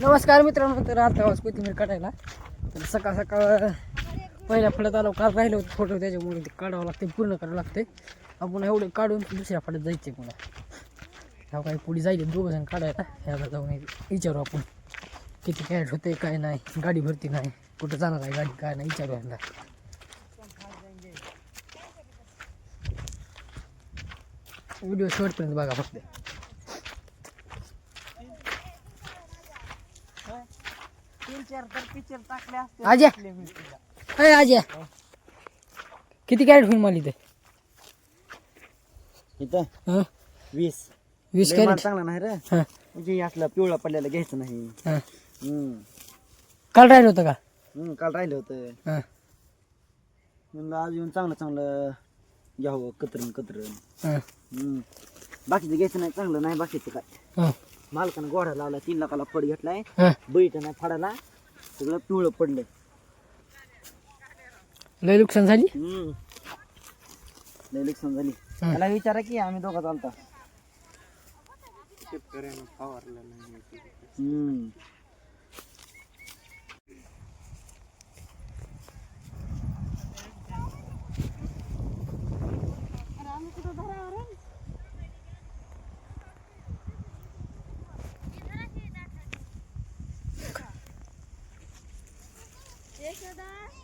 नमस्कार मित्रांनो. तर आता आवाज कोथिंबीर काढायला. तर सकाळ सकाळ पहिल्या फळ्यात आलो. काल राहिलं होतं फोटो, त्याच्यामुळे ते काढावं लागते, पूर्ण करावं लागते. आपण एवढं काढून दुसऱ्या फळ्यात जायचे पुन्हा. ह्या काही पुढे जायचे दोघं जण काढायला. ह्याला जाऊन विचारू आपण किती कॅरेट होते, काय नाही, गाडी भरती नाही, कुठं जाणार आहे गाडी, काय नाही, विचारू ह्यांना. व्हिडिओ शेवटपर्यंत बघा फक्त. आज्या अय आज्या, किती कॅरेट होईल मला इथे? इथं 20 कॅरेट चांगला नाही रे. म्हणजे असला पिवळा पडलेला घ्यायचं नाही. काल राहिलं होतं का? काल राहिलं होतं. म्हणलं आज येऊन चांगलं चांगलं घ्यावं, कतरण. बाकीचं घ्यायचं नाही, चांगलं नाही बाकीचं काय. मालकानं गोढा लावला, 3 लाखाला फड घेतलाय. बैठ नाही फडाला, सगळं पिवळं पडलंय. लय नुकसान झाली. लय नुकसान झाली. त्याला विचारा की आम्ही दोघं चालता. शेतकऱ्यानं फवारलं नाही. यशोदा